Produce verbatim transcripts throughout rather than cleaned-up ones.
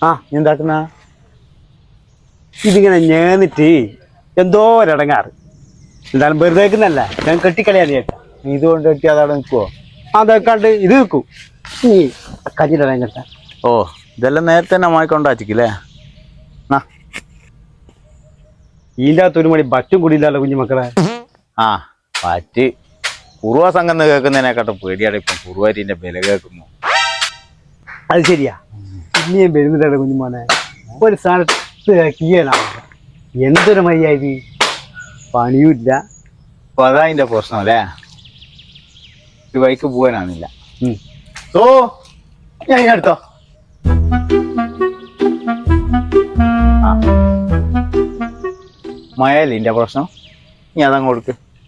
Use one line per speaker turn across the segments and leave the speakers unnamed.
ആ എന്താക്കുന്ന ഇതിങ്ങനെ ഞേന്നിട്ട് എന്തോ ഒരടങ്ങാറ്. എന്തായാലും വെറുതെ വെക്കുന്നല്ല, ഞാൻ കെട്ടിക്കളിയാണ് ചേട്ടാ.
ഇതുകൊണ്ട് കെട്ടി അതവിടെ നിൽക്കുവോ?
അതൊക്കാണ്ട് ഇത് വെക്കും ഈ കഞ്ഞിടം കേട്ടാ.
ഓ ഇതെല്ലാം നേരത്തെ തന്നെ മായിക്കൊണ്ടാച്ചിക്കില്ലേ?
ഇതിൻ്റെ അകത്ത് ഒരു മണി ബറ്റും കൂടിയില്ലല്ലോ കുഞ്ഞു മക്കളെ.
ആ പറ്റ് കുറുവ സംഘം കേൾക്കുന്നതിനെക്കാട്ടും പേടിയാണ് ഇപ്പം കുറുവാരിന്റെ വില കേൾക്കുന്നു.
അത് ശരിയാ, ഇനിയും വരുന്നില്ല കുഞ്ഞുമോനെ. ഒരു സ്ഥലത്ത് കീഴാണ്, എന്തൊരു മര്യാദ, പണിയുമില്ല.
അപ്പൊ അതാ അതിന്റെ പ്രശ്നം അല്ലേ? ഒരു വഴിക്ക് പോകാനാണില്ല. ഓ ഞാൻ ഇതിനടുത്തോ മഴയല്ലേ ഇതിന്റെ പ്രശ്നം. നീ അതങ്ങ് കൊടുക്ക്.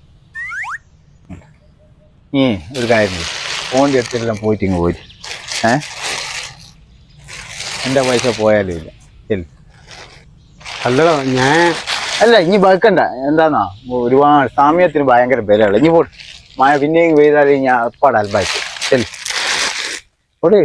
നീ ഒരു കാര്യം ഫോണിൻ്റെ അടുത്തെല്ലാം പോയിട്ട് ഇങ്ങ് പോയി. ഏ എൻ്റെ പൈസ പോയാലും ഇല്ല. ശരി
അല്ലടോ ഞാൻ
അല്ല ഇനി വെക്കണ്ട. എന്താന്നാ ഒരുപാട് സമയത്തിന് ഭയങ്കര ബലമാണ്. ഇനി പോട്ട് മഴ പിന്നെയും പെയ്താൽ ഞാൻ എപ്പാട് അൽബായിട്ട്. ശരി പോട്ടെ.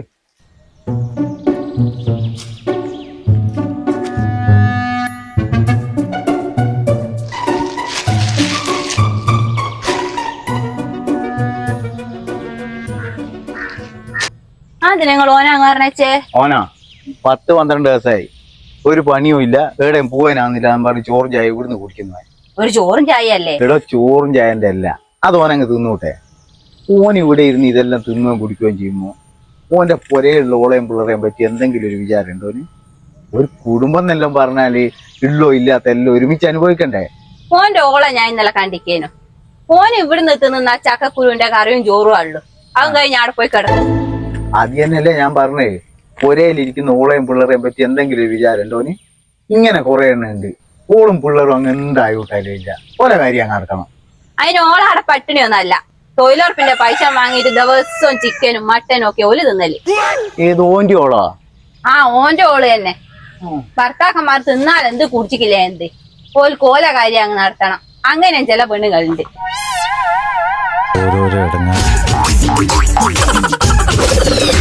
ഓനാ പത്ത് പന്ത്രണ്ട് ദിവസമായി ഒരു പണിയും ഇല്ല, എവിടെയും പോവാനാന്നില്ല. ഞാൻ പറഞ്ഞു ചോറും ചായ ഇവിടുന്ന് കുടിക്കുന്നതായി.
ഒരു ചോറും ചായ അല്ലേ?
എടോ ചോറും ചായന്റെ അല്ല, അത് ഓനങ്ങ് തിന്നൂട്ടെ. ഓൻ ഇവിടെ ഇരുന്ന് ഇതെല്ലാം തിന്നുകയും കുടിക്കുകയും ചെയ്യുമ്പോ ഓന്റെ പുരയുള്ള ഓളയും പിള്ളേരെയും പറ്റി എന്തെങ്കിലും ഒരു വിചാരം ഉണ്ടോ? ഒരു കുടുംബം എന്നെല്ലാം പറഞ്ഞാല് ഉള്ളോ ഇല്ലാത്ത എല്ലാം ഒരുമിച്ച് അനുഭവിക്കണ്ടേ?
ഓന്റെ ഓളെ ഞാൻ ഇന്നലെ കണ്ടിക്കേനു. ഓന് ഇവിടുന്ന് തിന്നുന്ന ചക്കക്കുരുവിന്റെ കറിയും ചോറും ഉള്ളു. അതും കഴിഞ്ഞ് അവിടെ പോയി കിടക്കും.
അത് തന്നെയല്ലേ ഞാൻ പറഞ്ഞേ, പുരയിലിരിക്കുന്ന ഓളയും പിള്ളേരെയും പറ്റി എന്തെങ്കിലും ഒരു വിചാരം ഉണ്ടോന്? ഇങ്ങനെ കുറെ എണ്ണം ഉണ്ട്, ഓളും പിള്ളേരും അങ്ങ് എന്തായിട്ടാലും ഇല്ല. ഓരോ കാര്യം അങ്ങ് നടക്കണം.
അതിന് ഓളാടെ പട്ടിണിയൊന്നല്ല, തൊഴിലുറപ്പിന്റെ പൈസ വാങ്ങിയിട്ട് ദിവസവും ചിക്കനും മട്ടനും ഒക്കെ ഓല് തിന്നല്.
ഏത് ഓന്റെ ഓളാ?
ആ ഓന്റെ ഓള് തന്നെ. ഭർത്താക്കന്മാർ തിന്നാൽ എന്ത് കുടിച്ചിക്കില്ല എന്ത് ഓൽ കോല കാര്യം അങ്ങ് നടത്തണം. അങ്ങനെ ചില പെണ്ണുകളുണ്ട്.
ഓരോരോ ഇടങ്ങ